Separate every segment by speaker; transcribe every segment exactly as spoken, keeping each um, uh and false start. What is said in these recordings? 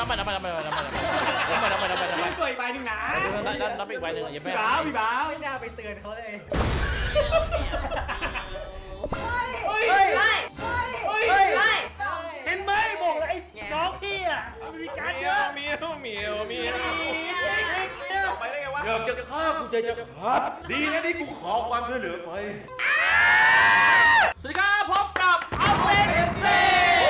Speaker 1: นับไปนับไปนับไปนับไปนับไปนับไปนับไปนับไปนับไป
Speaker 2: พี่ตัวอีกใบหนึ่งนะ
Speaker 1: นับนับอีกใบหนึ่งอย่าไป
Speaker 2: พี่บ้าวพี่บ้าว
Speaker 3: ไม่น่าไปเตือนเขาเลย
Speaker 2: เฮ้ย
Speaker 3: เฮ้ย
Speaker 2: เฮ้ย
Speaker 3: เฮ้ย
Speaker 2: เห็นไหมบอกเลยไอ้น้องพี่อ่ะมีการเยอะ
Speaker 1: เมียวเมียวเมียว
Speaker 2: ไปได้ไงวะ
Speaker 1: อยากจะฆ่ากูใจจะขาดดีนะที่กูขอความช่วยเหลือไปสวัสดีครับพบกับอัลเฟนเซ่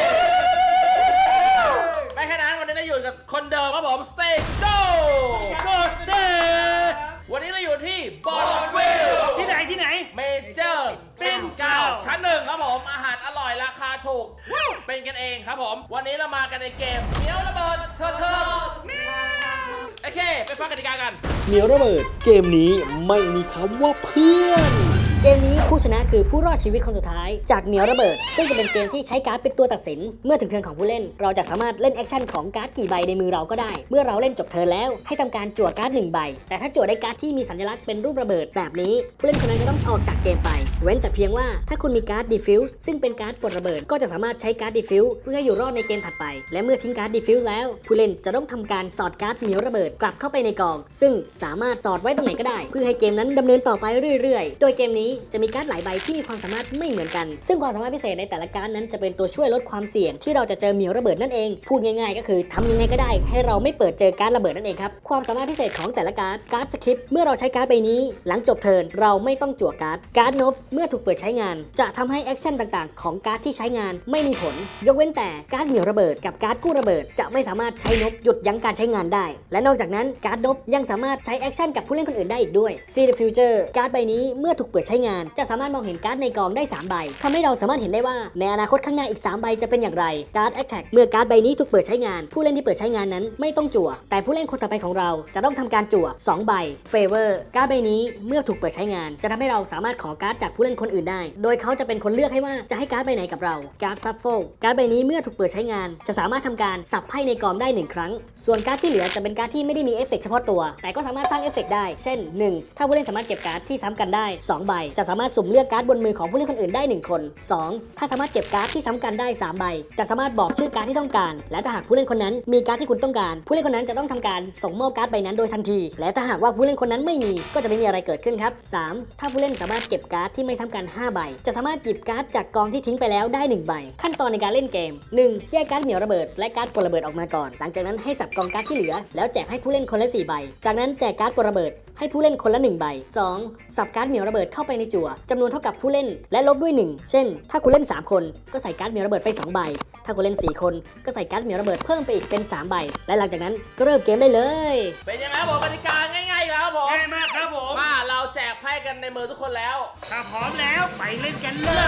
Speaker 1: ไม่แค่นั้นวันนี้เราอยู่กับคนเดิมครับผมสเตจโก้โกสเตวันนี้เราอยู่ที่บอลวิล
Speaker 2: ที่ไหนที่ไหน
Speaker 1: เมเจอร์ปิ้นเก้าชั้นหนึ่งครับผมอาหารอร่อยราคาถูกเป็นกันเองครับผมวันนี้เรามากันในเกมเหนียวระเบิดเธอเธอโอเคไปฟังกติกากัน
Speaker 4: เหนียวระเบิดเกมนี้ไม่มีคำว่าเพื่อน เกมนี้ผู้ชนะคือผู้รอดชีวิตคนสุดท้ายจากเหนียวระเบิดซึ่งจะเป็นเกมที่ใช้การ์ดเป็นตัวตัดสินเมื่อถึงเทิร์นของผู้เล่นเราจะสามารถเล่นแอคชั่นของการ์ดกี่ใบในมือเราก็ได้เมื่อเราเล่นจบเทิร์นแล้วให้ทำการจั่วการ์ดหนึ่งใบแต่ถ้าจั่วได้การ์ดที่มีสัญลักษณ์เป็นรูประเบิดแบบนี้ผู้เล่นคนนั้นจะต้องออกจากเกมไปเว้นแต่เพียงว่าถ้าคุณมีการ์ดดิฟิวส์ซึ่งเป็นการ์ดปลดระเบิดก็จะสามารถใช้การ์ดดิฟิวส์เพื่อให้อยู่รอดในเกมถัดไปและเมื่อทิ้งการ์ดดิฟิวส์แล้วผู้เล่นจะต้องทำการสอดการ์ดเหนียวระเบิดกลับเข้าไปในกองซึ่งสามารถสอดไว้ตรงไหนก็ได้เพื่อให้เกมนั้นดำเนินต่อไปเรื่อยๆโดยเกมนี้จะมีการ์ดหลายใบที่มีความสามารถไม่เหมือนกันซึ่งความสามารถพิเศษในแต่ละการ์ดนั้นจะเป็นตัวช่วยลดความเสี่ยงที่เราจะเจอเหนียวระเบิดนั่นเองพูดง่ายๆก็คือทำยังไงก็ได้ให้เราไม่เปิดเจอการ์ดระเบิดนั่นเองครับความสามารถพิเศษของแต่ละการ์ดการ์ดสคริปต์เมื่อเราใช้การ์ดใบนี้หลังจบเทิร์นเราไม่ต้องจั่วการ์ดการ์ดนบเมื่อถูกเปิดใช้งานจะทำให้แอคชั่นต่างๆของการ์ดที่ใช้งานไม่มีผลยกเว้นแต่การ์ดเหนียวระเบิดกับการ์ดกู้ระเบิดจะไม่สามารถใช้นบหยุดยั้งการใช้งานได้และนอกจากนั้นการ์ดนบยังสามารถใช้แอคชั่นกับผู้เล่นคนอื่นได้อีกด้วย See the Future การ์ดใบนี้เมื่อถูกเปิดใช้งานจะสามารถมองเห็นการ์ดในกองได้สามใบทำให้เราสามารถเห็นได้ว่าในอนาคตข้างหน้าอีกสามใบจะเป็นอย่างไรการ์ด Attack เมื่อการ์ดใบนี้ถูกเปิดใช้งานผู้เล่นที่เปิดใช้งานนั้นไม่ต้องจั่วแต่ผู้เล่นคนต่อไปของเราจะต้องทำการจั่วสองใบ Favor การ์ดใบนี้เมื่อถูกเปิดใช้งานจะทำให้เราสามารถขอการ์ดจากผู้เล่นคนอื่นได้โดยเขาจะเป็นคนเลือกให้ว่าจะให้การ์ดใบไหนกับเราการ์ด Shuffle การ์ดใบนี้เมื่อถูกเปิดใช้งานจะสามารถทำการสับไพ่ในกองได้หนึ่งครั้งส่วนการ์ดที่เหลือจะเป็นการ์ดที่ไม่ได้มีเอฟเฟกต์เฉพาะตัวแต่ก็สามารถสร้างเอฟเฟกต์ได้เช่นหนึ่งถ้าผู้เล่นสามารถเก็บการ์ดที่ซ้ำกันได้สองใบจะสามารถสุ่มเลือกการ์ดบนมือของผู้เล่นคนอื่นได้หนึ่งคนสองถ้าสามารถเก็บการ์ดที่ซ้ำกันได้สามใบจะสามารถบอกชื่อการ์ดที่ต้องการและถ้าหากผู้เล่นคนนั้นมีการ์ดที่คุณต้องการผู้เล่นคนนั้นจะต้องทำการส่งมอบการ์ดใบนั้นโดยทันทีและถ้าหากว่าผู้เล่นคนนั้นไม่มีก็จะไม่มีอะไรเกิดขึ้นครับสามถ้าผู้เล่นสามารถเก็บการ์ดที่ไม่ซ้ำกันห้าใบจะสามารถหยิบการ์ดจากกองที่ทิ้งไปแล้วได้หนึ่งใบขั้นตอนในการเล่นเกมหนึ่งแยกการ์ดเหนียวระเบิดและการ์ดปลดระเบิดออกมาก่อนหลังจากนั้นให้สับกองการ์ดที่เหลือแล้วแจกให้ผู้เล่นคนละสี่ใบจากนั้นแจกการ์ดปลดระเบิดให้ผู้เล่นคนละหนึ่งใบสองสับการ์ดเหนียวระเบิดเข้าไปในจั่วจำนวนเท่ากับผู้เล่นและลบด้วยหนึ่งเช่นถ้าคุณเล่นสามคนก็ใส่การ์ดเหนียวระเบิดไปสองใบถ้าคุณเล่นสี่คนก็ใส่การ์ดเหนียวระเบิดเพิ่มไปอีกเป็นสามใบและหลังจากนั้นก็เริ่มเกมได้เลย
Speaker 1: เป็นยังไงครับผมกติกาง่ายๆแล้วครับผม
Speaker 2: ง่ายมากครับผม
Speaker 1: มาเราแจกไพ่กันในมือทุกคนแล้ว
Speaker 2: ถ้าพร้อมแล้วไปเล่นกันเล
Speaker 1: เลย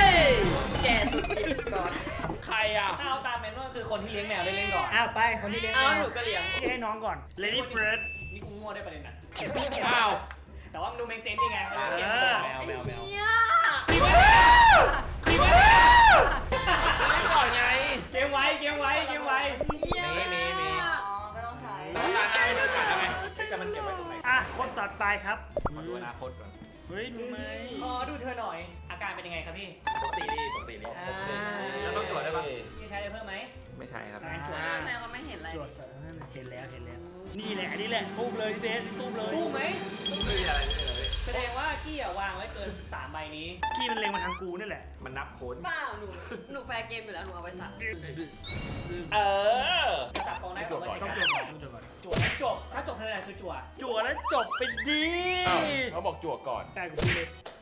Speaker 1: ยแกสุดจิบก่อนใครอ่ะ
Speaker 3: ถ้าเอาตามแมนนวลคือคนที่เลี้ยงแมวได้เล่นก่อน
Speaker 5: อ้าวไปคนที่เลี้ยงแม
Speaker 3: อ้าว
Speaker 5: ว
Speaker 3: หนูก็เลี้ยง
Speaker 2: ให้น้องก่อน Lady First
Speaker 3: นี่กูมั่วได้ประเด็นนั้น
Speaker 1: อ้าว
Speaker 3: แต่ว่ามันดูเมคเซนส์ดีไงเขาเลี้ยงแมวแมวแมว
Speaker 1: ตีไปแล้วตีไปแล้วไม่ก่อนไง
Speaker 3: เกมไว้เกมไว้เกมไว้
Speaker 1: มีมีมี
Speaker 5: อ๋อไม่ต้องใช้
Speaker 1: ต้องการได้ต้องการได้ไหม
Speaker 3: ใช่จะมันเก็บไว้ตรงไหน
Speaker 2: อ่ะคนต่อไปครับ
Speaker 1: มาดูอนาคตก่อน
Speaker 2: เฮ้ยรู้ไหม
Speaker 3: ขอดูเธอหน่อย อาการเป็นยังไงครับพี่
Speaker 1: ปกติดีปกติดี
Speaker 5: อ่า
Speaker 1: แล้วต้องตรวจได้ปะ
Speaker 3: พี่ใช้อะไรเพิ่มไหม
Speaker 1: ไม่ใช่ครับ
Speaker 2: งานจวด
Speaker 5: แมวก็ไม่เห็นอะไร
Speaker 2: จวดเสริมเห็นแล้วเห็นแล้วนี่แหละอันนี้แหละตุ้มเลยพี่เบสตุ้มเลย
Speaker 3: กู้ไหม
Speaker 1: ไม่มีอะไรไม่มีอะไร
Speaker 3: แสดงว่ากี้อะวางไว้เกินสามใบนี้
Speaker 2: กี้มันเล็งมาทางกูนี่แหละ
Speaker 1: มันนับโค้ด
Speaker 5: เปล่าหนูหนูแฟร์เกมอยู่แล้วหนูเอาไปสั่ง
Speaker 1: เออ
Speaker 3: จะสับกองได้
Speaker 1: จบก่อน
Speaker 2: ต้องจบก่อนต้องจบก่อน
Speaker 3: จั่วแล้วจบ ถ้าจบเธอไหนคือจั่ว
Speaker 2: จั่วแล้วจบไปดี
Speaker 1: เขาบอกจั่วก่อน
Speaker 2: ใช่กูพูดเลย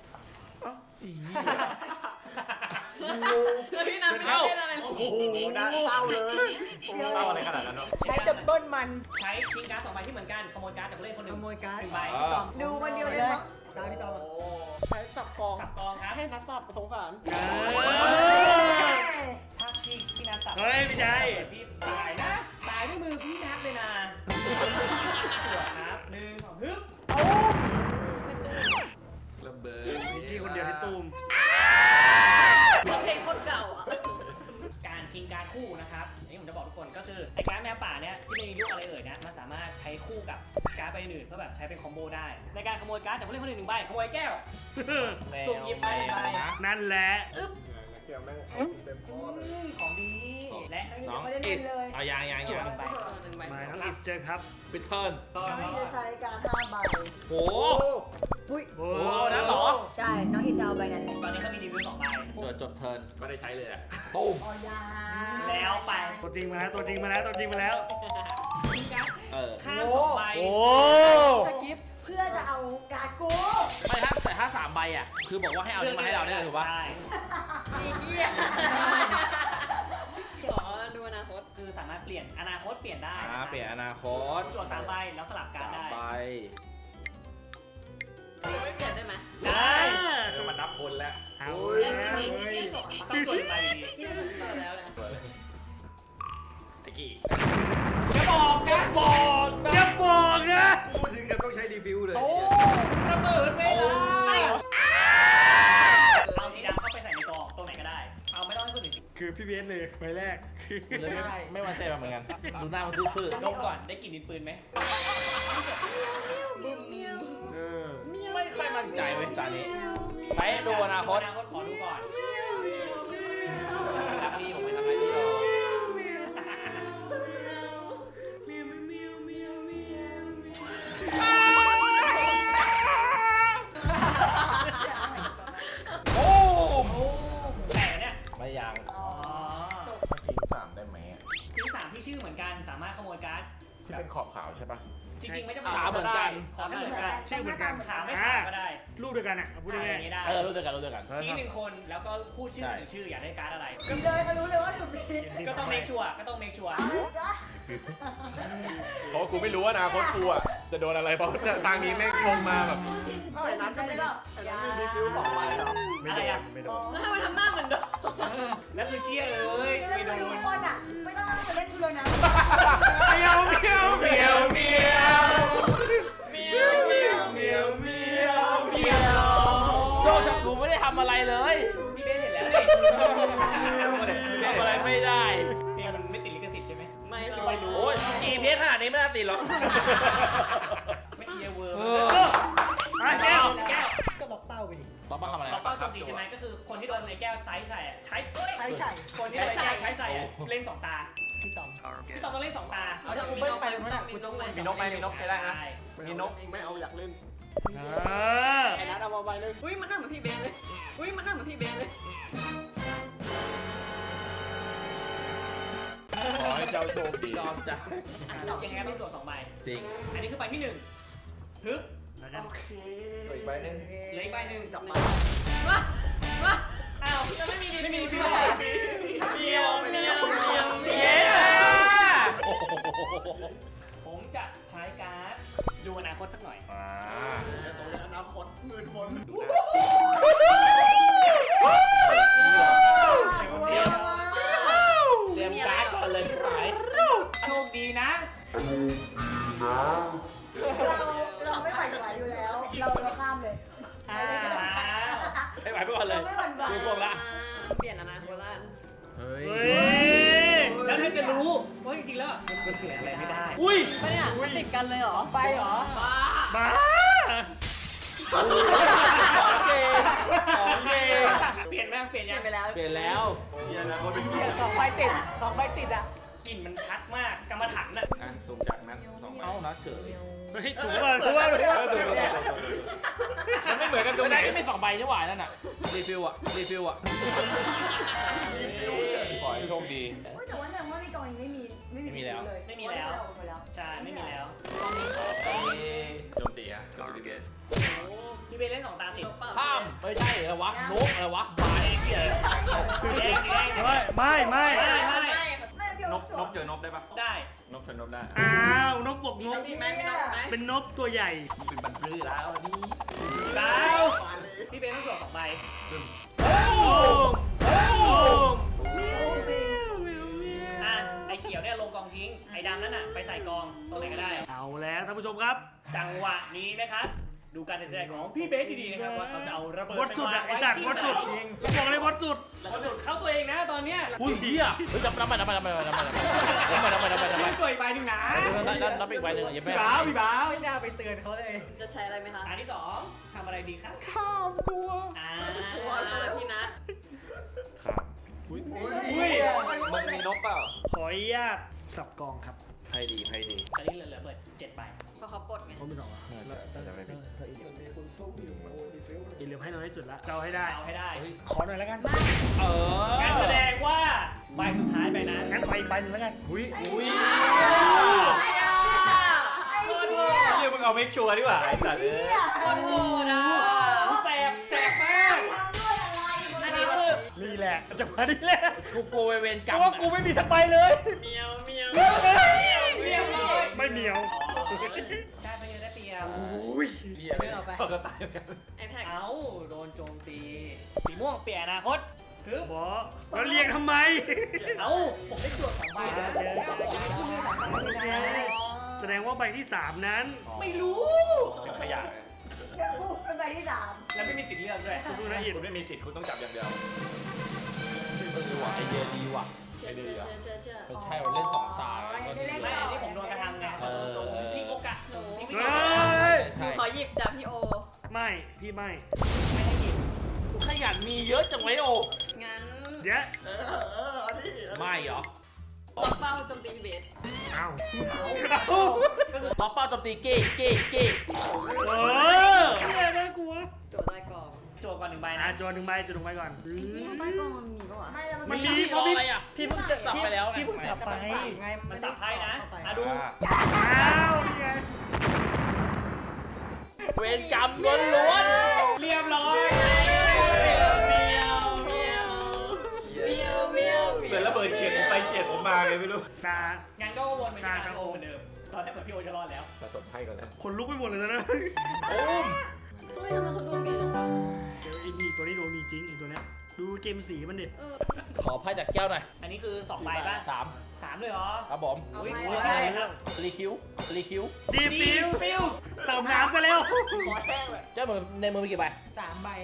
Speaker 5: แล้วพี่นัทไม่เล่นอะไรหรอ
Speaker 1: โอ้โหน่าเศร้าเลยเศร้าอะไรขนาดนั้นเนาะ
Speaker 6: ใช้ดับเบิลมัน
Speaker 3: ใช้ทิ้งการ์ดสองใบที่เหมือนกัน ขโมยการ์ดจากผู้เล่นคนหนึ่
Speaker 6: ข
Speaker 3: ง
Speaker 6: โมยการ์ด
Speaker 3: หนึ่งใบ
Speaker 1: อ่า
Speaker 6: พี่ตอม
Speaker 5: ดูวันเดียวเลยมั้ง
Speaker 6: ตามพี่ตอม
Speaker 7: ใช้สับกอง
Speaker 3: สับกองครับ
Speaker 7: ให้นักสับสงสาร
Speaker 3: ถ้าพี่พี่นัทสับ
Speaker 2: เฮ้ยไม่ใช่
Speaker 3: เกิดพี่ตายนะ ตายด้วยมือพี่นัทเลยนะจั่วครับหนึ่งสองฮึบ
Speaker 1: ระเบิด
Speaker 2: พี่คนเดียวที่ตูม
Speaker 5: เพลงคนเก่าอ่ะ
Speaker 3: การทิ้งการ์ดคู่นะครับอันนี้ผมจะบอกทุกคนก็คือไอ้การ์ดแมวป่าเนี่ยที่ไม่มีลูกอะไรเอ่ยนะมันสามารถใช้คู่กับการ์ดใบอื่นเพื่อแบบใช้เป็นคอมโบได้ ในการขโมยการ์ดจากผู้เล่นคนอื่นหนึ่งใบขโมยแก้วสุ่มหยิบไปหนึ่งใบ
Speaker 2: นั่นแหละ
Speaker 3: อึ๊บ
Speaker 7: เนี่ยแม่งเต็มข้อเลย
Speaker 3: ของดีและ
Speaker 1: น้องอิสเอายางยาง
Speaker 3: จั่วย
Speaker 1: าง
Speaker 3: หนึ่งใบ
Speaker 5: เออหนึ่งใบ
Speaker 2: มาน้องอิสเจอครับ
Speaker 1: ปิดเทิร์น
Speaker 3: ต่อ
Speaker 6: น้องอินจะใช้การห้าใบ
Speaker 1: โห
Speaker 6: อุ้ย
Speaker 2: โอ้
Speaker 1: โอ้เอานั้นเหรอ
Speaker 6: ใช่ น้องอินจะเอาใบนั้นแหละ
Speaker 3: ตอนนี้เขามีรีวิวสองใบ
Speaker 1: จดจดเทิร์นก็ได้ใช้เลยอ่ะตุ้ม
Speaker 6: ออยา
Speaker 3: แล้วไป
Speaker 2: ตัวจริงมาแล้วตัวจริงมาแล้วตัวจริงมาแล้ว
Speaker 1: เออ
Speaker 3: ข้ามสองใบ
Speaker 2: โอ้
Speaker 6: สกิปเพื่อจะเอาการ์ดกู
Speaker 1: ไม่ถ้าแต่ถ้าสามใบอ่ะคือบอกว่าให้เอานี่มาให้เราได้เลยถูกปะ
Speaker 3: ใช่
Speaker 5: ขอดูอนาคต
Speaker 3: คือสามารถเปลี่ยนอนาคตเปลี่ยนได้
Speaker 1: อ่าเปลี่ยนอนาคต
Speaker 3: จั่วสามใบแล้วสลับการ
Speaker 1: สาม
Speaker 3: ได้
Speaker 1: ใบ
Speaker 5: ไม่เปลี่ยนได้ไหม
Speaker 2: ได้
Speaker 1: จะมานับคนแล้ว
Speaker 2: เอาแล้วเฮ้ย
Speaker 3: ต้องจั่วอีกใบอยู่ดี
Speaker 5: ที่ได้ถึงแล้วนะ
Speaker 1: ตะกี้จะบอกจะบอก
Speaker 2: จะบอกนะ
Speaker 7: พูดถึงกับต้องใช้รีวิวเลย
Speaker 3: ระเบิดเวลา
Speaker 5: ไม่
Speaker 3: เอาสีดำเข้าไปใส่ในกล่องตรงไหนก็ได้ เอาไม่ต้องให้คนอื่น
Speaker 2: คือพี่เบสเลยใบแรก
Speaker 1: เลยไม่ไม่มั่นใจมาเหมือนกันดูหน้ามันซื่อ
Speaker 3: ดมก่อนได้กลิ่นดินปืนไหม
Speaker 2: เออ
Speaker 1: ๆไม่ค่อยมั่นใจเว้ยตอนนี้ไปดูอนาคต
Speaker 3: อนาคตขอดูก่อน
Speaker 1: รักพี่ผมไม่ทำอะไรพี่หรอก โอ้ม
Speaker 3: แต่เนี่ย
Speaker 1: ไม่ยัง
Speaker 3: อ๋อ
Speaker 1: ทิ้งสามได้ไหม
Speaker 3: ที่สามที่ชื่อเหมือนกันสามารถขโมยการ์ด
Speaker 1: ที่เป็นขอบขาวใช่ปะ
Speaker 3: จริงๆไม่จำเป็น
Speaker 1: ขาเหมือนกัน
Speaker 3: ขาไม่เหมือนกัน
Speaker 2: ชื่อเหมือนกัน
Speaker 3: ขาไม่ขาก็ได้
Speaker 2: ลูกด้วยกันอ่ะพูด
Speaker 3: อะไร
Speaker 2: ง่า
Speaker 3: อย ย่างนี้ได้
Speaker 1: เออรู้ด้วยกันรู้ด้วยกัน
Speaker 3: ชี้หนึ่งคนแล้วก็พูดชื่อหนึ่งชื่ออยากได้การ์ดอะไร
Speaker 6: กินเลยเขารู้เลยว่าถูกดี
Speaker 2: ๆ
Speaker 3: ก็ต้องเมคชัวร์ก็ต้องเมคชัวร์
Speaker 6: เอาเลยจ้ะ
Speaker 8: เพราะว่ากูไม่รู้ว่าอนาคตกูอ่ะจะโดนอะไรเพราะทางนี้แม่งชงมาแบบ
Speaker 7: เท่าไหร่นั้นจะมีแต่นั้นมีรีวิวสองใบเหรอ
Speaker 8: ไม่โดนไม่โดน
Speaker 5: แล้วทำไมทำหน้าเหมือนเดิม
Speaker 3: แล้วคือเชียร์เอ้ย
Speaker 6: แล้ว
Speaker 3: ไม่โด
Speaker 6: คือทุ
Speaker 3: น
Speaker 6: กคนอ่ะ ไม่ต้องมาเล่นกูเลยนะ
Speaker 8: เมียวเมียวเมียวเมียวเมียวเมียวเมียวเมียวเมียว
Speaker 1: โจจับกูไม่ได้ทำอะไรเลย
Speaker 3: พี่เบสเห็นแล้วนี่
Speaker 1: ทำอะไรไม่ได้
Speaker 3: เพลงมันไม่ติดลิขสิทธิ์ใช่ไหม
Speaker 5: ไม่หรอก
Speaker 3: ไม่รู้
Speaker 1: โอ้ยจีเพชรขนาดนี้ไม่น่าติดหรอก
Speaker 3: ไม่เอียเวอร์
Speaker 1: เอ
Speaker 3: เอ
Speaker 1: อ
Speaker 3: อแก้วแก้ว
Speaker 6: ก็ล็อกเป้าไปดิ
Speaker 1: ต้องมาทำอะไร
Speaker 3: เราเป้าโจมตีใช่ไหมก็คือคนที่โดนในแก้วไซส์ใส่อะใช้
Speaker 6: ใช่ใช่
Speaker 3: คนที่โดนในแก้วใช้ใส่อะเล่นสองตา
Speaker 6: พี่ต๋อม
Speaker 3: พี่ตองต้องเล่นสองตา
Speaker 5: เอาถ้ากูเบิ้ลไปมันมีนกไหม
Speaker 8: มีนกไหมมีนกใช้ได้นะ
Speaker 7: มีนกไม่เอาอยากเล่น
Speaker 2: เออ
Speaker 7: ไอ้นัทเอามาใบหนึง
Speaker 5: อุ้ยมันหน้าเหมือนพี่เบนเลยอุ้ยมันหน้าเหมือนพี่เบนเลย
Speaker 8: ขอให้เจ้าโชคดี
Speaker 1: ยอมจ้ะ
Speaker 3: ยังไงก็ต้องตรวจสองใบ
Speaker 1: จริง
Speaker 3: อันนี้คือใบที่หนึ่งฮึบ
Speaker 7: โอเค
Speaker 8: อีกใบหนึง
Speaker 3: เหลืออีกใบหนึ่ง
Speaker 7: กลับมา
Speaker 5: ว้าว้า
Speaker 3: อ้าว
Speaker 5: จะไม่มีดี
Speaker 3: ไม่มี
Speaker 5: ฟิ
Speaker 3: พี่
Speaker 5: ว
Speaker 3: เล
Speaker 5: เลย
Speaker 3: ย
Speaker 5: เดียวเดียวเดียว
Speaker 1: เย้โอ้โห
Speaker 3: ผมจะใช้การ์ดดูอนาคตสักหน่อย
Speaker 1: อ่า
Speaker 7: ตรงนี้อนาคตหมื่นคน
Speaker 1: เตรียมเตรียมการ์ดก่อนเลยหาย
Speaker 3: โชคดีนะ
Speaker 6: เราเราไม่หวั่นไหวอยู่แล้ว เราเราข้ามเลย
Speaker 3: อ้าว
Speaker 1: ให้ไหวไปก่อนเลย
Speaker 6: เราไม่หวั่นไหว
Speaker 1: ดูพวกละ
Speaker 5: เปลี่ยนอนาคตละ
Speaker 8: เฮ้ย
Speaker 2: เฮ้ย
Speaker 3: แล้วเธอจะรู้ว่าจริงๆแล้วมันเปลี่ยนอะไรไม่ได้
Speaker 2: อุ้ย
Speaker 5: ไม่เนี่ยมันติดกันเลยเหรอ
Speaker 6: ไปเหรอ
Speaker 2: บ้า
Speaker 1: ของเกงของเกง
Speaker 3: เปลี่ยนไหมเปลี่ยน
Speaker 5: เปลี่
Speaker 3: ยั
Speaker 5: ย
Speaker 3: ง
Speaker 5: นไปแล้ว
Speaker 1: เปลี่ยนแล้ว
Speaker 8: มีอนาคตเป็น
Speaker 6: เดี๋ยวสองใบติดสองใบติดอ่ะ
Speaker 3: กลิ่นมันชัดมากกรรมฐานน่ะ
Speaker 1: อ่ะสุ่มจากนั้นสองใบเอ้านะเฉย
Speaker 2: เฮ้ยถูกป่ะถูกป่ะถูกป่ะ
Speaker 1: เออถูกถูกถูกถูกมันไม่เหมือนกันตรงไหนไม่มีสองใบนี่หว่านั่นน่ะรีฟิลอะรีฟิลอะ
Speaker 8: ขอให้โชคดี
Speaker 6: เฮ้ยแต่ว่าเนี่ยว่าในกล่องยังไม่มีไม่มีเลย
Speaker 3: ไม่มีแล้ว
Speaker 6: เอาไปแล้ว
Speaker 3: ใช่ไม่มีแล้วตอนนี้ขอไป
Speaker 8: โจมตีฮะโจมตีเกต
Speaker 3: พี่เบนเล่นสองตาติด
Speaker 1: ข้ามไม่ใช่เหรอวะนกอะไรวะหมาเองเหี้ยอะไร
Speaker 3: แดงสีแดง
Speaker 2: ไม่ไม่ไม่
Speaker 3: ไม่ไม่
Speaker 6: ไม่เดี๋ยวน
Speaker 8: กนกเจอนกได้ปะ
Speaker 3: ได้
Speaker 8: นกเจอนกได้
Speaker 2: อ้าวนกบวกนก
Speaker 5: มีไหมมีนกไหม
Speaker 2: เป็นนกตัวใหญ่
Speaker 1: เป็นบันพื้แล้วนี่
Speaker 3: ดาวพี่เบนต้องตรวจสองใบ
Speaker 2: โอ้โห
Speaker 3: อ่ะไอเขียวเนี่ยลงกองทิ้งไอดำนั่นน่ะไปใส่กองตรงไหนก็ได้
Speaker 2: เอาแล้วท่านผู้ชมครับ
Speaker 3: จังหวะนี้นะครับดูการตัดสินใจของพี่เบสดีๆนะครับว่าเขาจะเอาระเบิด
Speaker 2: วัดสุดอะไอ้สัตว์วัดสุดบอกเลยวัดสุด
Speaker 3: วัดสุดเข้าตัวเองนะตอนเนี้ย
Speaker 1: อุ้ยเหี้ยเฮ้ยจำจำไปจำไปจำไปจำไปจำไปจำไปจำไปจำไปจำไป
Speaker 3: เล่นตัวอีกใบหนึ่งนะ
Speaker 1: นั่นนั่นนับอีกใบหนึ่งยังไม่
Speaker 2: พี่บ้าวพี่บ้าว
Speaker 6: ไม่น่าไปเตือนเขาเลย
Speaker 5: จะใช้อะไรไหมคะ
Speaker 3: อันที่สองทำอะไรดีครับ
Speaker 1: ข้ามตัว
Speaker 3: อ่า
Speaker 5: ตัวพี่นัท
Speaker 8: ข้าม
Speaker 2: อุ้ย
Speaker 8: อุ้ยมึงมีนกเปล่า
Speaker 2: ขออนุญาตสับกองครับ
Speaker 8: ให้ดีให้ดี
Speaker 3: อันนี้เหลือๆเบิดเจ็ดใบ
Speaker 5: เพราะเขาปลดไง
Speaker 2: เขาไม่ต้องอ่ะ
Speaker 8: น่าจะไม่ผิด
Speaker 7: มีคนสู้อยู่โอ้ยดีฟิลเลย
Speaker 2: อีเหลือให้น้อยที่สุดละเราให้ได้
Speaker 3: เอาให้ได้
Speaker 2: ขอหน่อยแล้วกัน
Speaker 1: เออ
Speaker 3: งั้นแสดงว่าใบสุดท้ายไปนั้น
Speaker 2: งั้นไปอีกใบหนึ่งแล้วกัน
Speaker 8: อุ้ยอุ้ย
Speaker 6: ไอ้เหี้ย
Speaker 8: เฮียมึงเอาเมคชัวร์ดีกว่าไอ้สัตว์เอ้ย
Speaker 5: คนโง่นะ
Speaker 3: แสบแสบมาก
Speaker 6: ทำด้วยอะไร
Speaker 5: อันนี้คือ
Speaker 2: นี่แหละจะมาดีแหละ
Speaker 1: กูกลัวเวรกร
Speaker 2: เพ
Speaker 1: รม
Speaker 2: ราะว่ากูไม่มีสักใบเลย
Speaker 5: เมียวเมียว
Speaker 3: เรียบร้อย
Speaker 2: ไม่เหนียว
Speaker 3: ชาติไปเยอะได้เปรียบ
Speaker 2: อุ้ย
Speaker 8: เฮียไม่เอาไปเขาก็ตายเหมือนกัน
Speaker 5: ไอแพ็ก
Speaker 3: เอาโดนโจมตี สีม่วงเปลี่ยนอนาคตคือ
Speaker 2: บอแล้วเรียงทำไม
Speaker 3: เอาผมได้จวดสองใบนะ
Speaker 2: แสดงว่าใบที่สามนั้น
Speaker 3: ไม่รู้
Speaker 8: เป็นขยะ
Speaker 6: เดี๋ยวกูเป็นใบที่สาม
Speaker 3: แล้วไม่มีสิทธิ์เลือกด้วย
Speaker 2: ดูนะอิน
Speaker 8: คุณไม่มีสิทธิ์คุณต้องจับอย่างเดียวเออว่ะไอเดียดีว่ะ
Speaker 5: เชื่อเชื่อเชื่อเชื่อ
Speaker 1: ไม่ใช่ว่าเล่นสองตา
Speaker 3: ไม่อันนี้ผมโดนกระทำไง
Speaker 1: เออ
Speaker 3: พลิกโอกาสหนูพลิก
Speaker 2: เฮ้ย
Speaker 1: ใช่
Speaker 5: ขอหยิบจากพี่โอ
Speaker 2: ไม่พี่ไม่
Speaker 3: ไม่ได้หยิบ
Speaker 1: ขยันมีเยอะจังไว้โอ
Speaker 5: งั้น
Speaker 2: เดี๋ยว
Speaker 7: เออเออเอาดิ
Speaker 1: ไม่เหรอ
Speaker 5: ล็อกเป้าโจมตีเบส
Speaker 2: เอ้า
Speaker 1: ล็อกเป้าโจมตีเก้เก้เก้
Speaker 2: เออเนี่ยน่ากลัว
Speaker 5: โจทย์ได้กอง
Speaker 3: จวดก่อนหนึ่งใบ
Speaker 2: อ่ะ
Speaker 3: นะ
Speaker 2: จวนหนึ่งใบจวนหนึ่งใบก่อน
Speaker 5: นี่ใต้กองมันมีปะวะ
Speaker 6: ไม่แล้ว
Speaker 2: มันมี
Speaker 1: พี่รออะไรอ่ะ พี่เพิ่งสับไปแล้วไง
Speaker 2: พี่เพิ่งสับไป
Speaker 6: ไง
Speaker 3: มันสับไพ่นะอ่ะดู
Speaker 2: อ้าวนี่ไง
Speaker 1: เวรกรรมล้วน
Speaker 3: เรียบร้อย
Speaker 5: เมียวเมียวเมียวเมียวเมียว
Speaker 8: เหมือนระเบิดเฉียดผมไปเฉียดผมมาไงไม่รู้
Speaker 2: ตา
Speaker 3: งั้นก็วนไปที่การโอเหมือนเดิม ตอนแรกเหมือนพี่โอจะรอดแล้ว
Speaker 8: สะสมให้ก่อนนะ
Speaker 2: คนลุกไปหมดเลยนะ
Speaker 1: ๆโอ้ม
Speaker 5: เฮ้ยทำไมเขาดวงดีจังวะ
Speaker 2: เดี๋ยวไอ้นี่ตัวนี้โดนดีจริงไอ้ตัวเนี้ยดูเกมสีมันดิ
Speaker 5: เออ
Speaker 1: ขอไพ่จากแก้วหน่อย
Speaker 3: อันนี้คือสองใบป่ะ
Speaker 1: สาม
Speaker 3: สามเลยเหรอ
Speaker 1: ครับผม
Speaker 3: อุ้ย
Speaker 5: เอาไป
Speaker 3: ไม่ใช่ครับ
Speaker 1: รีคิวรีคิว
Speaker 2: ดีฟิว
Speaker 3: ฟิว
Speaker 2: เติมน้ำซะเร็ว
Speaker 3: ขอแห้งเลย
Speaker 1: เจ้ามือในมือมีกี่ใบ
Speaker 6: สามใบ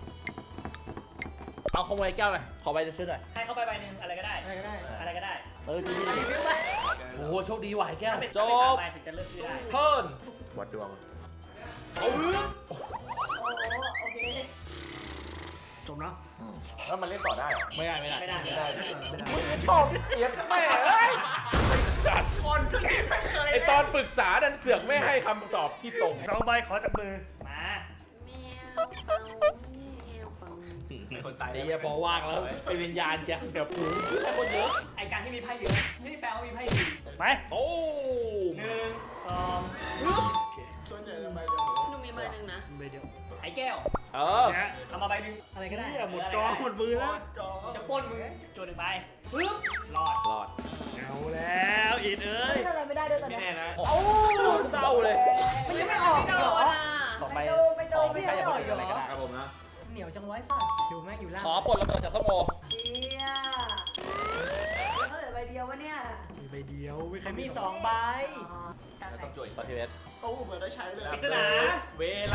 Speaker 1: เอาขโมยแก้วหน่อย ขอใบช่วยหน่อย
Speaker 3: ให้เข้าไปใบหนึ่งอะไรก็ได้
Speaker 6: อะไรก็ได้
Speaker 3: อะไรก็ได้
Speaker 1: เออดีดีโอ้โหโชคดีว่ะไอ้แก้ว
Speaker 3: ถ้าเป็น
Speaker 1: จ
Speaker 3: ถ้าเป็นสาม
Speaker 1: บ
Speaker 3: ใบถึงจะเลือกชื่อได้
Speaker 1: เทิร์น
Speaker 8: วัดดวง
Speaker 1: เอาเรื่อง
Speaker 6: โอ้โอเค
Speaker 2: จบเนาะ
Speaker 8: แล้วมันเล่นต่อได้เหรอ
Speaker 1: ไม่ได้ไม่ได้
Speaker 3: ไม่ได้
Speaker 1: ไม่
Speaker 3: ไม่
Speaker 1: ได้
Speaker 3: ได้
Speaker 8: ชอบเอียดแม่เอ้ยจัดคนไอตอนปรึกษาดันเสือกไม่ให้คำตอบที่ตรง
Speaker 2: สองใบขอจากมือ
Speaker 3: มา
Speaker 5: เมียวฟังเมียวฟัง
Speaker 8: คนตาย
Speaker 1: ไอ้เหี้ยพอว่างแล้วเป็นวิญญาณจ้ะเดี๋ยวปูแค่คนเยอะ
Speaker 3: ไอการที่มีไพ่เยอะไม่ได้แปลว่ามีไพ่ดี
Speaker 2: ไป
Speaker 1: โอ้
Speaker 3: หนึ่งสอง
Speaker 7: ส่วนใหญ่จะไปเดียว
Speaker 5: หนูมีใบหนึ่งนะ
Speaker 2: ใบเดียว
Speaker 3: ไอแก้ว
Speaker 1: เออ
Speaker 2: เนี่ย
Speaker 3: เอามาใบหนึ่ง
Speaker 6: อะไรก็ได้
Speaker 2: เนี่ยหมดกองหมดมือแล้ว
Speaker 7: จอ
Speaker 3: จะปล้นมึงโจนหนึ่งใบปึ๊บรอด
Speaker 1: รอด
Speaker 2: เอาแล้วอิดเอ้ย
Speaker 6: ไม่ทำอะไรไม่ได้ด้วยตอน
Speaker 8: ไม่
Speaker 6: นี้
Speaker 8: แน่นะ
Speaker 1: โอ้เศร้าเลย
Speaker 6: มันยังไม่ออก
Speaker 5: ไม่
Speaker 6: เห
Speaker 5: โด
Speaker 6: รอน
Speaker 5: อ่ะ
Speaker 1: ต่อไป
Speaker 6: ไม่โดนไม่โดนไม่
Speaker 1: ใคร
Speaker 6: ได้
Speaker 1: จะ
Speaker 6: อ
Speaker 1: พู
Speaker 6: อ
Speaker 1: ด
Speaker 6: ก
Speaker 1: อะไร
Speaker 6: เหร
Speaker 1: ก็
Speaker 6: อ
Speaker 1: ได้ครับผมนะ
Speaker 6: เหนียวจังไว้สัตว์อยู่แม่งอยู่ล่าง
Speaker 1: ขอปลดระเบิดจากส้มโอ
Speaker 6: เชี่ยเขาเหลือใบเดียววะเนี่ย
Speaker 2: มีใบเดียวไม่ใคร
Speaker 6: มีสองใบ
Speaker 8: ต้องจุย
Speaker 1: ขอทีเวส
Speaker 7: ตู้เหมือนได้ใช้เลย
Speaker 3: ปริศนา
Speaker 1: เวลา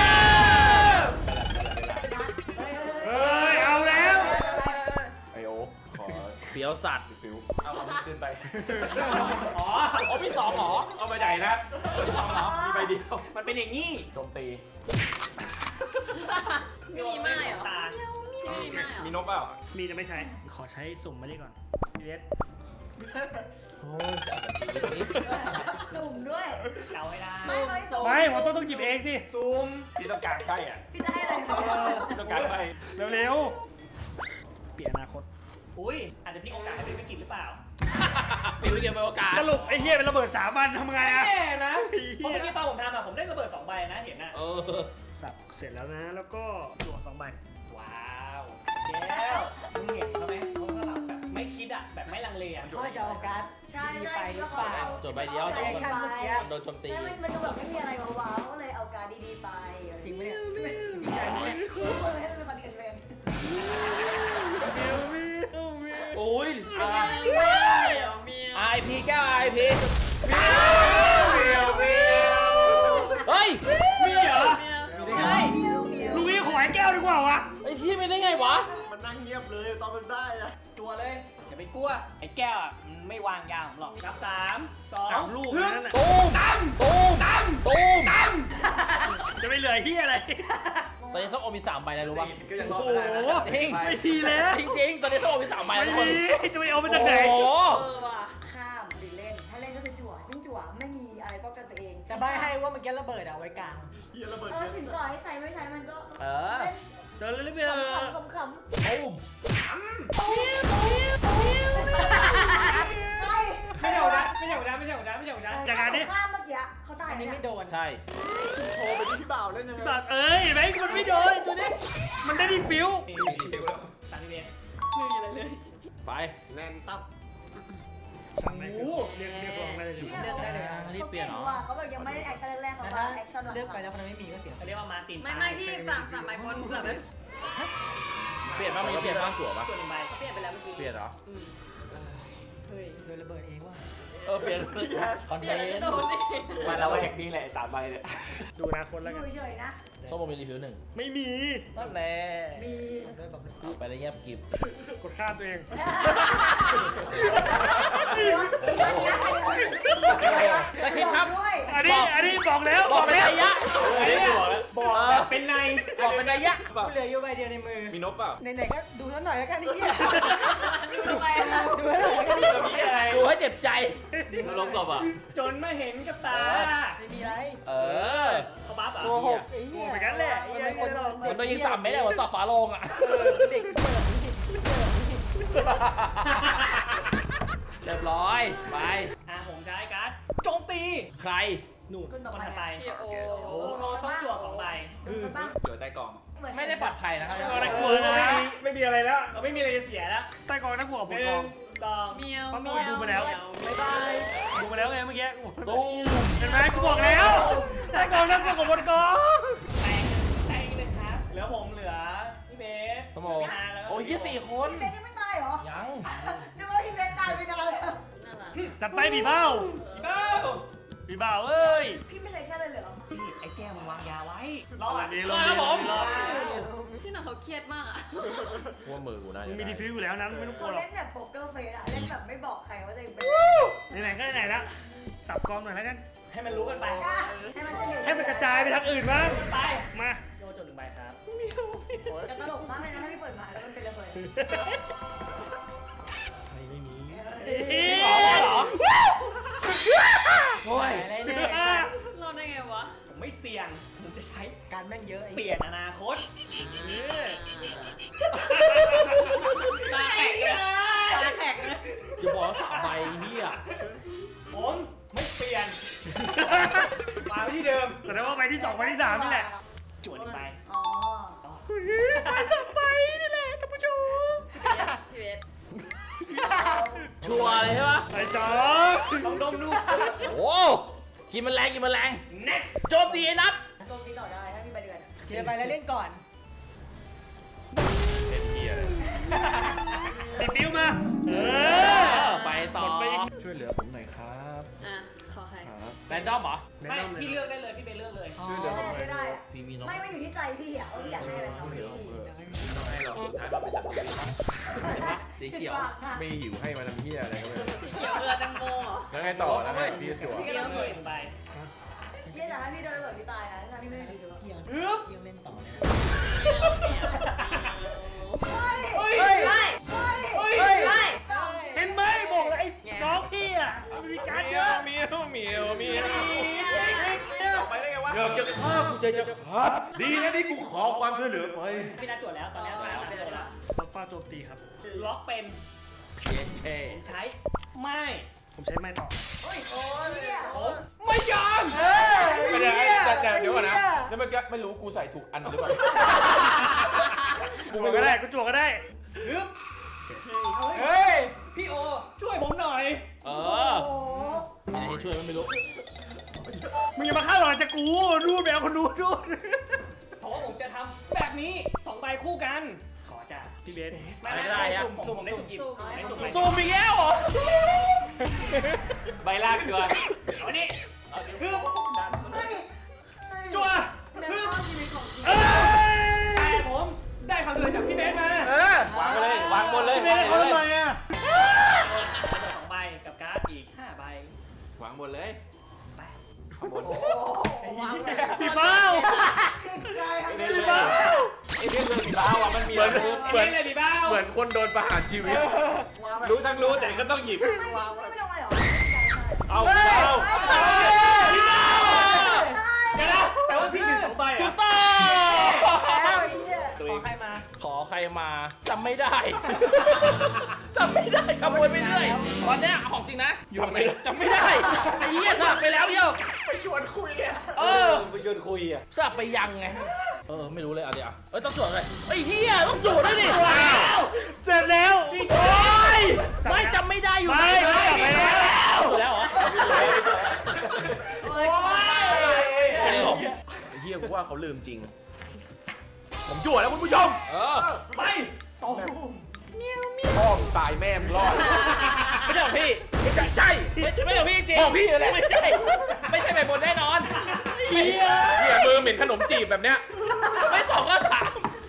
Speaker 6: เฮ้ย
Speaker 2: เฮ้ยเอาแล้ว
Speaker 8: ไอโอขอ
Speaker 1: เสียวสัตว์
Speaker 8: ฟิวเอาอันนี้ขึ้นไป
Speaker 3: อ๋อ
Speaker 1: อ๋อพี่สองเหรอ
Speaker 8: เอาไปใหญ่นะมีสองเหรอมีใบเดียว
Speaker 3: มันเป็นอย่างนี้
Speaker 8: โจมตี
Speaker 5: ไม่มีไม้เหรอ
Speaker 3: ตา
Speaker 5: ไม่มีไม้เหรอ
Speaker 8: มีนกเปล่า
Speaker 2: มีจะไม่ใช้ ขอใช้สุ่มมานี่ก่อนพีเอส
Speaker 1: โอ้ยจะเอาแต่ทีนี้
Speaker 6: จุ่มด้วย
Speaker 3: เดาให้ได้
Speaker 5: ไม่ไม่โซ
Speaker 2: ไม่ผมต้องต้องหยิบเองสิ
Speaker 3: ซูม
Speaker 8: พี่ต้องการไพ่อ่ะ
Speaker 6: พี่จะให้อะไร
Speaker 8: พี่ต้องการไพ่
Speaker 2: เร็วๆเปลี่ยนอนาคต
Speaker 3: อุ้ยอาจจะพลิกโอกาสให้เป็นวิกฤตหรือเปล่า
Speaker 1: ปิดวิกเกมไปโอกาส
Speaker 2: สรุปไอ้เหี้ยเป็นระเบิดสามวันทำไงอะ
Speaker 3: แน่นะเพราะเมื่อกี้ตอนผมทำอะผมได้ระเบิดสองใบนะเห็นอะ
Speaker 1: เออ
Speaker 2: สับเสร็จแล้วนะ แล้วก็จั่วสองใบ
Speaker 3: ว้าวแก้วมึงเห็นเขาไหมเขาสลับแบบไม่คิดอะแบบไม่ลังเลอะ
Speaker 6: เขาจะเอาการ์ด
Speaker 5: ใช่
Speaker 6: ดี
Speaker 5: ใช่
Speaker 6: ไปหรือเปล่า
Speaker 1: จดใบเดียว
Speaker 6: แอคชั่นเมื่อกี้
Speaker 1: โดนโจมตี
Speaker 6: แล้วมันมันดูแบบไม่มีอะไรว้าวๆก็เลยเอาการ์ดดีๆไปจริงไหมเนี่ยจริงจังเนี่ยให้มันเป็นคอนเทนต์เอง
Speaker 1: โอ้ย
Speaker 5: เมียวเมียวเมียว
Speaker 1: ไอพีแก้วไอพี
Speaker 8: เมียวเมียว
Speaker 1: เฮ้ย
Speaker 2: มีเหรอ
Speaker 5: เมียว
Speaker 6: เฮ้ยเมียวเมียว
Speaker 2: ลูกนี้ขอไอ้แก้วดีกว่าวะ
Speaker 1: ไอพี่ไม่ได้ไงวะ
Speaker 7: มันนั่งเงียบเลยตอนมันได้อะ
Speaker 3: จัวเลยอย่าไปกลัวไอ้แก้วอะมันไม่วางยาผมหรอกครับสามสอง
Speaker 2: สามลูกนั่นน่ะ
Speaker 1: ตูมตั้มตูมตั้มตูมตั้ม
Speaker 2: จะไม่เหลือเหี้ยอะไร
Speaker 5: โม
Speaker 1: ตอนนี้ส้มโอมีสามใบแล้วรู้ป่ะ
Speaker 8: ก็ยังรอ
Speaker 2: โอ้
Speaker 8: ด
Speaker 2: โห
Speaker 8: ไม่ได้นะ
Speaker 1: จริง
Speaker 2: ไม่ดีแล้ว
Speaker 1: จริงๆตอนนี้ส้มโอมีสามใบ
Speaker 2: ไม่
Speaker 1: แล้วทุกคน
Speaker 2: ดีจะไปเอามาจากไหน
Speaker 1: โอ้โห
Speaker 5: เออว่ะ
Speaker 6: ข้ามหรือเล่น ถ้าเล่นก็คือจั่วซึ่งจั่วไม่มีอะไรป้องกันตัวเอง
Speaker 9: แต่ใบให้ว่าเมื่อกี้ระเบิดเอาไว้กลาง
Speaker 7: เฮียระเบิด
Speaker 6: เออถึงต่อให้ใช้ไม่ใช้มันก็
Speaker 1: เออ
Speaker 2: เดินเลยไม่
Speaker 6: เล่น
Speaker 2: เออ
Speaker 6: ขำๆขำ
Speaker 1: ตุ้ม
Speaker 6: ๆใช่
Speaker 3: ไม่ใช่ของฉันไม่ใช่ของฉันไม่ใช่ของฉันไม่ใช่ของฉัน
Speaker 2: อย่างนั้นดิ
Speaker 6: ข้ามเมื่อกี้เขาตาย
Speaker 9: อันนี้ไม่โดน
Speaker 1: ใช่
Speaker 7: โทรไปที่พี่บ่าวเล่นยังไง
Speaker 2: แบบเอ้ยเห็นไหมมันไม่โดนตัวนี้มันได้ดีฟิว
Speaker 3: มีมีฟิวแล้วสามสิบเอ็ด
Speaker 5: ไม่มีอะไรเลย
Speaker 1: ไป
Speaker 7: แน่นตับ
Speaker 2: สั่งไหนคือเรียกเรียกลองได้เลย
Speaker 9: เลือกได้เลยอ่ะ
Speaker 1: รีบเปลี่ยนเหรอ
Speaker 6: เขาแบบยังไม่ได้แอคชั่นแรกๆเขา
Speaker 9: แล้ว
Speaker 6: ว่า
Speaker 9: ถ้า
Speaker 6: แอคชั่นหลังๆ
Speaker 9: เลือกไปแล้วคนนั้นไม่มีก็เสีย
Speaker 3: เขาเรียกว่ามาร์ติน
Speaker 5: ไม่ไม่ที่ฝั่งฝั่งไมค์คนแบบนั้น
Speaker 1: เปลี่ยนบ้างมีเปลี่ยนบ้างจั่วปะ
Speaker 3: ส่วนหนึ่งใบ
Speaker 5: เขาเปลี่ยนไปแล้วเมื่อกี้
Speaker 1: เปลี่ยนเหรอ
Speaker 5: อืมเฮ้ย
Speaker 9: โดนระเบิดเองว่ะ
Speaker 1: เออเปลี่ยนคอน
Speaker 5: เป
Speaker 1: เท
Speaker 5: ลี่ยน
Speaker 1: น
Speaker 5: แล้ว
Speaker 1: ต์
Speaker 5: โดนดิ
Speaker 8: มาเราแหกนี่แหละสามใบเนี่ย
Speaker 2: ดูอนาคตแล้ว
Speaker 6: อ
Speaker 2: กัน
Speaker 6: ยู่เฉยๆนะ
Speaker 1: ส้มโอมีรีวิวหนึ่ง
Speaker 2: ไม่มี
Speaker 1: นั่นแน่
Speaker 6: มี
Speaker 9: ด้วยแบบ
Speaker 1: ไปเลยเงียบกิบ
Speaker 2: กดข้ามตัวเอง
Speaker 1: ตะคิดครับ
Speaker 6: ด้วย
Speaker 2: อันนี้อันนี้บอกแล้ว
Speaker 1: บบ อ
Speaker 2: อก ก
Speaker 1: เป็น
Speaker 2: แล้ว
Speaker 1: ระยะ
Speaker 8: อันนี้บอกแล้ว
Speaker 2: บอก
Speaker 1: เออ
Speaker 3: เป็นใน
Speaker 1: บอกเป็นระยะ
Speaker 9: กูเหลืออยู่ใบเดียวในมือ
Speaker 8: มีนกเปล่า
Speaker 9: ไหนๆก็ดูสักหน่อยแล้วกันนี่
Speaker 5: ดูไปนะ
Speaker 9: ดูให้หน่อยแล้วกัน
Speaker 8: จะมีอะไร
Speaker 1: ดูให้เจ็บใจ
Speaker 8: ลงศพอ่ะ
Speaker 3: จนมาเห็นกับตา
Speaker 9: ไม่มีอะไร
Speaker 1: เออ
Speaker 3: เขาบัฟเหร
Speaker 9: โก
Speaker 3: อ่ะ
Speaker 9: หกไอ้เหี้ย
Speaker 2: เหมือนกันแหละ
Speaker 9: มันเป็นคน
Speaker 1: มันโดนยิงสามเมตรเลยหัวต่อฝาโลงอ่ะ
Speaker 9: เออเด็กเปิดนี่สิเปิดนี่สิ
Speaker 1: เรียบร้อย ไป
Speaker 3: อ่ะผมใช้การ์ดโจมตี
Speaker 1: ใคร
Speaker 2: หนู
Speaker 6: คุณต่อ
Speaker 3: คน
Speaker 6: ไป
Speaker 3: ถัดไป
Speaker 5: พี่โอ
Speaker 3: โอ้โหต้องจั่วสองใบ
Speaker 6: บ้าง
Speaker 8: เจอใต้กล่อง
Speaker 1: ไม่ได้ปลอดภัยนะครับ
Speaker 2: อะไรกลัวนะ ไม่มีอะไรแล้ว
Speaker 3: เราไม่มีอะไรจะเสียแล้ว
Speaker 2: ใต้กองนักหัว
Speaker 3: ห
Speaker 2: บน
Speaker 3: นึ่
Speaker 2: กอง ง
Speaker 3: สอง
Speaker 5: เมียว
Speaker 2: เพราะ
Speaker 5: เมี
Speaker 2: กู
Speaker 5: ยว
Speaker 2: ดูมาแล้ว
Speaker 9: บ๊ายบาย
Speaker 2: ดูมาแล้วไงเมื่อกี้
Speaker 1: ตุ้ม
Speaker 2: เห็นไหมกูบอกแล้วใต้กองนักหัวบนกอง
Speaker 3: แตงแตงเลยครับ เหลือผมเหลือพี่เบส
Speaker 1: สมอ
Speaker 3: พี่นาแล้วก็
Speaker 1: โอ้ยยี่สี่คน
Speaker 6: พี่เบนยังไม่ตายเหรอ
Speaker 1: ยัง
Speaker 6: นึกว่าพี่เบนตายไปนานแล้ว
Speaker 5: น่ารัก
Speaker 2: จัดไปบีเบ้า
Speaker 3: เก้า
Speaker 2: บีเบ้าเอ้ย
Speaker 6: พี่ไม่ใช่แค่เลยเหรอ
Speaker 3: พี่ไอ้แก้วมันวางยาไว้ รอด
Speaker 2: ดี
Speaker 1: รอดครับผม
Speaker 2: รอด
Speaker 5: พี่หน่องเขาเครียดมากอ่ะ
Speaker 1: ว่ามือกูน่า
Speaker 2: มึ
Speaker 1: จะ
Speaker 2: งมีดีฟิวอยู่แล้วนั้นไม่ต้องกลั
Speaker 6: เขา
Speaker 2: วหรอก
Speaker 6: เล่นแบบโป๊กเกอร์เฟสอะเล่นแบบไม่บอกใครว่าจะเป็น
Speaker 2: ไหนๆก็ไหนๆละสับกองหน่อยแล้วกัน
Speaker 3: ให้มันรู้กันไป
Speaker 6: ให้มันเฉลี่ย
Speaker 2: ให้มันกระจายไปทางอื่นบ้าง
Speaker 3: ไป
Speaker 2: มา
Speaker 3: โยนจดหนึ่งใบครับ
Speaker 6: แต่ตลกมากเลยนะถ้าพี่เปิดมาแล้วมันเป็นระเบิด
Speaker 2: ไม่มี
Speaker 1: เอ๊ะเหรอโอ้ย
Speaker 9: อะไรเนี่ย
Speaker 5: รอดได้ไงวะ
Speaker 3: ผมไม่เสี่ยง ผมจะใช้
Speaker 9: การแม่งเยอะไอ้
Speaker 3: เปลี่ยนอนาคต
Speaker 5: ตาแข็งเลยตาแข็งเลย
Speaker 1: จะบอกว่าสามใบนี่อ่ะ
Speaker 3: ผมไม่เปลี่ยนมาไว้ที่เดิม
Speaker 2: แต่ว่าใบที่สองใบที่สามนี่แหละ
Speaker 3: จวดอีกใบ
Speaker 6: อ๋อ
Speaker 2: ไปนี่แหละท่านผู้ชม
Speaker 5: พี่เบส
Speaker 1: ชัวร์เลยใช่ปะ
Speaker 2: ไปสอง
Speaker 3: ลองดมดู
Speaker 1: โอ้กินมันแรงกินมันแรง
Speaker 3: เน็ต
Speaker 1: โจมตีไอ้นัท
Speaker 6: โจมตีต่อได้ถ้ามีใบเดือน
Speaker 9: เคลียร์ไปแล้วเล่นก่อน
Speaker 8: เป็นเฮีย
Speaker 2: ดีฟิวมาเอ
Speaker 1: เอ
Speaker 2: อ
Speaker 1: อไปต่อ
Speaker 2: หมดไปอีก
Speaker 7: ช่วยเหลือผมหน่อยครับ
Speaker 5: อ่ะขอใคร
Speaker 7: ครับ
Speaker 1: แรนดอมเหรอ
Speaker 3: ไม่ พี่เลือกได้เลย พี่เบนเลือกเลย
Speaker 9: อ๋อ
Speaker 7: ช่วยเหลือผมหน่อย
Speaker 6: ไม่ได้อะ
Speaker 1: พี่มีน้อง
Speaker 6: ไม่ไม่อยู่ที่ใจพี่อะว่าพี่อยากให้อะไรเขาพี่
Speaker 8: ต้องให้เราสุดท้ายเราไปสัตว์
Speaker 1: เห็นปะสีเขียว
Speaker 7: ไม่หิวให้มาทำเฮียอะไรก็ไม่รู้
Speaker 5: สีเขียวเรือแตงโมเหรอ
Speaker 7: แล้วไงต่อแล้วไงพี่จั่ว
Speaker 5: พี่ก็
Speaker 3: เลื
Speaker 5: ต้
Speaker 3: อ
Speaker 5: อก ง
Speaker 3: เล
Speaker 5: เห็
Speaker 3: ย
Speaker 5: น
Speaker 3: หนึ่งใบ
Speaker 6: เยี่ยแต่ถ้าพี่โดนระเบิดพี่ตายนะถ้าพี่ไม่ได้ดู
Speaker 9: เกี่ยง
Speaker 3: ฮึบ
Speaker 9: เกี่ยงเล่นต่อเลย
Speaker 6: เฮ้ย
Speaker 3: เฮ้ย
Speaker 6: เฮ้ยเฮ้ยเฮ้ยเฮ้ย
Speaker 2: เห็นไหมบอกเลยไอ้น้องพี่อ่ะมีการเยอะ
Speaker 8: เมียวเมียวเมียวเมียวไปได้ไงวะ
Speaker 7: เกือบจะฆ่ากูใจจะขาดดีนะที่กูขอความช่วยเหลือไป
Speaker 3: พี่นัดจวดแล้ว ตอนนี้ตอนนี้เป็นแล้ว
Speaker 2: ล็อกป้าโจมตีครับ
Speaker 3: ล็อกเป็น
Speaker 1: เคเค
Speaker 3: ผมใช้ ไม่
Speaker 2: ผมใช้ไม้ต่อ
Speaker 6: โอ้ยโอ้ยเนี่ย
Speaker 8: ไม่ยอม
Speaker 9: เฮ้ย
Speaker 8: ไม่ได้
Speaker 9: ไอ้หี้
Speaker 8: แต่แต่เดี๋ยวก่อนนะ
Speaker 9: ไอ้หี้
Speaker 8: แล้วเมื่อกี้ไม่รู้กูใส่ถูกอันหรือเปล่า
Speaker 2: กูก็ได้กูจั่วก็ได้
Speaker 3: ฮึบ
Speaker 9: เฮ้ย
Speaker 3: พี่โอ ช่วยผมหน่อย
Speaker 1: เอ
Speaker 6: โอ้
Speaker 1: อ
Speaker 6: โห
Speaker 1: มีอะไรให้ช่วยมันไม่รู้
Speaker 2: มึงอย่ามาฆ่าหลอนจากกูดูแมวคนดูดู
Speaker 3: เพราะว่าผมจะทำแบบนี้สองใบคู่กัน ขอจ้ะ
Speaker 2: พี่เบส
Speaker 3: ไม่ไม่ได้สุ่มสุ่มผมได้สุ่มหยิบได้สุ่ม
Speaker 1: ซูมอีกแล้วเหรอ
Speaker 8: ใบลากเกลือ
Speaker 3: เอาดิฮึบ
Speaker 6: เฮ้ย
Speaker 3: จั่ว
Speaker 6: แนว
Speaker 3: ฮึบ
Speaker 6: ข้ามชีวิตของจริง
Speaker 2: เอ้ย
Speaker 3: แต่ผมได้คำเตือนจากพี่เบสมา
Speaker 2: เออ
Speaker 8: วางไปเลยวางบนเลย
Speaker 2: พี่เบสเขาทำไมอ่ะ
Speaker 3: ได้สองใบกับการ์ดอีกห้าใบ
Speaker 8: วางบนเลย
Speaker 3: ไป
Speaker 8: ข้างบน
Speaker 6: โอ้โห
Speaker 2: พี่เบ้า
Speaker 6: จิตใจครับ
Speaker 8: ไม่ได้
Speaker 2: พี่
Speaker 8: เลย
Speaker 2: เบ้า
Speaker 1: บ้าอ่ะมันมี
Speaker 7: เหมือน
Speaker 1: รูป
Speaker 7: เหมือน
Speaker 3: เล่นเลยดิบ้า
Speaker 7: เหมือนคนโดนประหารชีวิต
Speaker 1: รู้ทั้งรู้แต่ก็ต้องหยิบ
Speaker 6: ไม่ไม่ลงไปหรอ
Speaker 1: เอาเอา
Speaker 6: พี่เต้า
Speaker 3: เดี๋ยวนะแต่ว่าพี่ถึงสองใบ
Speaker 1: ถู
Speaker 3: อ่ะ
Speaker 1: กต้อง
Speaker 6: แล้วไอ้เหี้ย
Speaker 3: ขอใครมา
Speaker 1: ขอใครมาจำไม่ได้จำไม่ได้ขโมยไปเรื่อยตอนเนี้ยของจริงนะจำไม่จำไม่ได้ไอ้เหี้ยสับไปแล้วเดียว
Speaker 8: ไปชวนคุยอ่ะ
Speaker 1: เออ
Speaker 8: ไปชวนคุยอ่ะ
Speaker 1: สับไปยังไงเออไม่รู้เลยเอาเดี๋ยวเอ้ยต้องจวดเลยไอ้เหี้ยต้องจวดด้วยดิ
Speaker 2: เสร็จแล้ว
Speaker 1: โอ้ยไม่จำไม่ได้อยู่
Speaker 2: ไม่
Speaker 1: ไหน
Speaker 2: ไม่ไม่
Speaker 1: จวดแล้วเหรอ
Speaker 8: โอ้ย
Speaker 7: ไอ้เฮียกูว่าเขาลืมจริง ผมจั่วแล้วคุณผู้ชม
Speaker 1: เออ
Speaker 8: ไปโต
Speaker 7: พ่อมึงตายแม่มึงรอด
Speaker 1: ไม่ใช่ของพี่
Speaker 7: ไม่ใช่ใช่
Speaker 1: ไม่ไม่ใช่ของพี่จริง
Speaker 7: ของพี่อะไร
Speaker 1: ไม่ใช่ไม่ใช่ใบบนแน่นอน
Speaker 7: เฮียเฮียมือเหม็นขนมจีบแบบเนี้ย
Speaker 1: ไม่สองก็สาม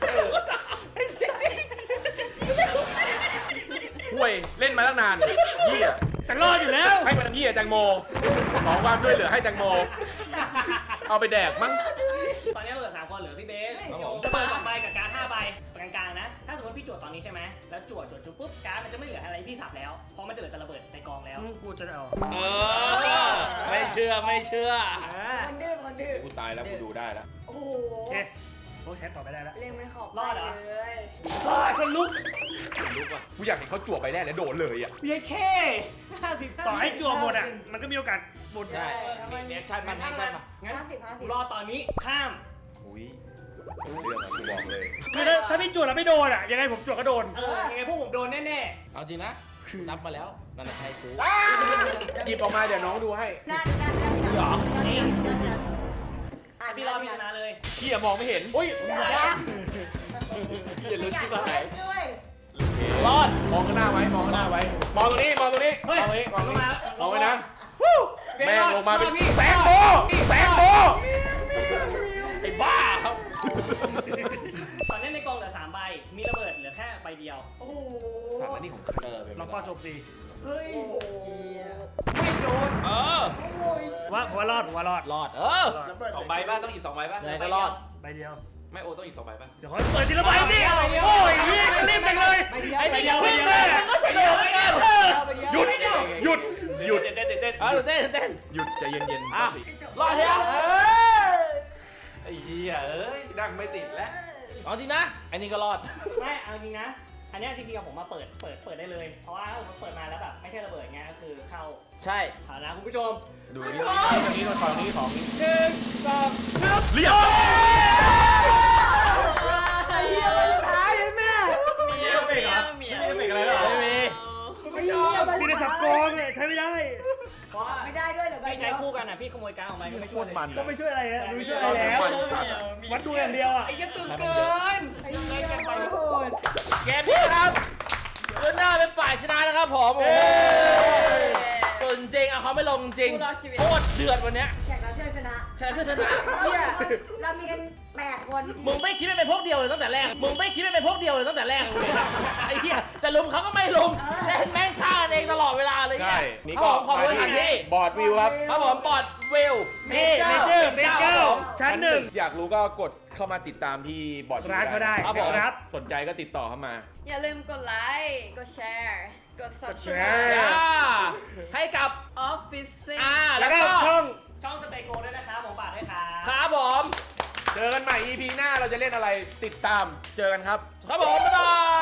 Speaker 7: ห่วยเล่นมาตั้งนานเฮีย
Speaker 2: จะรอดอยู่แล้ว
Speaker 7: ให้มันเฮียแตงโมขอความช่วยเหลือให้แตงโม เอาไปแดกมั้ง
Speaker 3: ตอนนี้เหลือสามคนเหลือพี่เบส
Speaker 1: ครับผม
Speaker 3: จะเปิดสองใบกับการดห้าใบกลางๆนะ ถ้าสมมติพี่จวดตอนนี้ใช่ไหมแล้วจวดจวดจุดปุ๊บการดมันจะไม่เหลืออะไรพี่สับแล้วเพราะมันจะเหลือแต่ระเบิดในกองแล้ว
Speaker 2: กูจะเอา
Speaker 1: เออไม่เชื่อไม่เชื่อ
Speaker 6: คนดื้อคนดื้อ
Speaker 7: กูตายแล้วกูดูได้แล้ว
Speaker 6: โอ้โห
Speaker 2: โอเคโอ้แชทต่อไปได้แล้ว
Speaker 6: เล่นไม่ขอบ
Speaker 3: รอดเหรอ
Speaker 6: เลย
Speaker 2: รอดคนลุก
Speaker 7: ลุกอ่ะกูอยากเห็นเขาจั่วไปแรกแล้วโดดเลยอ่ะ
Speaker 2: เพียงแค่ห้าสิบต่อให้จั่วหมดอ่ะ มันก็มีโอกาสหมด
Speaker 1: ได้มีแอคชั่นมันแอคชั่นมา
Speaker 3: งั้น
Speaker 6: ห้าสิบห้าสิ
Speaker 3: กู
Speaker 6: บ
Speaker 3: รอตอนนี้ข้าม
Speaker 7: อุ้ยเรื่องอะกูบอกเลย
Speaker 2: คือถ้าถ้าพี่จั่วแล้วไม่โดนอ่ะ ยังไงผมจั่วก็โดน
Speaker 3: เออยังไงพวกผมโดนแน่
Speaker 1: เอาจริงนะนับมาแล้วนั่นแหละใครกู
Speaker 7: หยิบออกมาเดี๋ยวน้องดูให้
Speaker 6: นั่นนั่นนั่นนั่น
Speaker 1: หรอ
Speaker 6: นั่นนั่นนั่น
Speaker 3: ๆ
Speaker 6: อ่าน
Speaker 3: พี่รอพี่ชนะเลย
Speaker 7: เฮียมองไม่เห็นอุ้ย
Speaker 6: อย่าลืมชิบหายด้วย
Speaker 1: รอด
Speaker 7: มองข้างหน้าไว้ มองข้างหน้าไว้ มองตรงนี้ มองตรงนี้ มองตรงนี้ มองตรงนี้มองไว้นะวู้แม่งลงมาเป็นแสงโบแสงโบ
Speaker 1: ไอ้บ้าครับ
Speaker 3: ตอนนี้ในกองเหลือสามใบมีระเบิดเหลือแค่ใบเดียว
Speaker 6: โอ้โห
Speaker 7: สารนี่ของเออเป็น
Speaker 2: แล้วก็โจมตี
Speaker 6: เฮ้ย
Speaker 3: ไม่โดน
Speaker 1: เออ
Speaker 2: ว่าผมว่ารอดผมว่ารอด
Speaker 1: รอดเออ
Speaker 8: สองใบป่ะต้องหยิบสองใบป่ะ
Speaker 1: ยังไงก็รอด
Speaker 2: ใบเดียว
Speaker 8: ไม่โอต้องหยิบสองใบป่ะ
Speaker 2: เดี๋ยวเขาเปิดทีละใบดิโอ้ยนี่รีบไปเลย
Speaker 1: ไอ้เดียว
Speaker 2: ไป
Speaker 1: ไอ้
Speaker 2: เดี
Speaker 1: เดี
Speaker 2: ย
Speaker 1: ยว วมันก็เฉลียวไม่ได้
Speaker 7: หยุด หยุด หยุด
Speaker 8: เต้นเต้นเต้น
Speaker 1: เอาเต้นเต้น
Speaker 7: หยุดใจเย็นๆ
Speaker 1: อ่ะรอดเถอะ
Speaker 8: ไอ้เหี้ยเอ้ยนั่งไม่ติดแล้ว
Speaker 1: เอาจริงนะไอ้นี่ก็รอด
Speaker 3: ไม่เอาจริงนะ อันเนี้ยจริงๆอะผมมาเปิดเปิดเปิดได้เลย เพราะว่าถ้าผมเปิดมาแล้วแบบไม่ใช่ระเบิดเงี้ยก็คือเข้า
Speaker 1: ใช่
Speaker 3: ฐานะคุณผู้ชม
Speaker 7: ดูนี่ตรงนี้ตรงของนี้ของนี้
Speaker 3: หนึ่งสอง
Speaker 7: เรียบ
Speaker 6: ไอ้เหี้ยมันท้ายแม่
Speaker 8: มีเอฟเฟกต์เหรอมีเอฟเฟกต์อะไรเหรอ
Speaker 1: ไม่มี
Speaker 6: คุณผู้ชม
Speaker 2: มีในสับกองเนี่ยใช้ไม่ได้
Speaker 3: เพราะว่า
Speaker 6: ไม่ได้ด้วยเหรอ
Speaker 3: พี่ใช้คู่กันอ่ะพี่ขโมยการดออกมาก็ไม่
Speaker 7: โค
Speaker 3: ช่วย
Speaker 7: ตร
Speaker 3: เลย
Speaker 7: มัน
Speaker 2: ก็ไม่ช่วยอะไรนะไม่ช่วยอะไรแล้ว
Speaker 7: มันสัตว์
Speaker 2: วัดดูอย่างเดียวอ่ะ
Speaker 3: ไอ้ยังตึงเกิน
Speaker 6: ไอ้เหี้ยไปโหด
Speaker 1: เกมนี้ครับเลือดหน้าเป็นฝ่ายชนะนะครับผมโอ้โหส่วนจริงเอาเขาไม่ลงจริงโคตรเดือดวันเนี้ย
Speaker 6: แข่งเราเชื่อชนะ
Speaker 1: แค่เพื่อชนะ
Speaker 6: เหี้ยเรามีกันแปดคน
Speaker 1: มึงไม่คิดว่าเป็นพวกเดียวเลยตั้งแต่แรก มึงไม่คิดว่าเป็นพวกเดียวเลยตั้งแต่แรกเลยไอ้เหี้ยจะลุมเขาก็ไม่ลุมเล่นแม่งฆ่ากันเองตลอดเวลาเลย
Speaker 7: ใช่
Speaker 1: เนี่ย
Speaker 7: นี่
Speaker 1: ครับ
Speaker 7: ก็
Speaker 1: ผมขอบคุณสถานที่
Speaker 7: บอร์ดวิวครับ
Speaker 1: ครับผมปอดวิว
Speaker 2: นี่เมเจอร์เมเจอร์ชั้นหนึ่ง
Speaker 7: อยากรู้ก็กดเข้ามาติดตามที่บอร์ดวิว
Speaker 2: ร้านเขาได้
Speaker 1: ครับผม
Speaker 2: ครับ
Speaker 7: สนใจก็ติดต่อเข้ามา
Speaker 5: อย่าลืมกดไลค์ กดแชร์ กด
Speaker 2: แช
Speaker 5: subscribe
Speaker 2: ร์
Speaker 1: อ่าให้กับ
Speaker 5: Office
Speaker 1: อ่า
Speaker 2: แล้
Speaker 1: แล้ว ว
Speaker 2: ก็
Speaker 1: ก็
Speaker 2: ช่อง
Speaker 3: ช่องสเตโกด้วยนะครับผมฝากด้วยครับ
Speaker 1: ครับผม
Speaker 7: เจอกันใหม่ อี พี หน้าเราจะเล่นอะไรติดตาม เจอกันครับ
Speaker 1: ครับผมบ๊ายบาย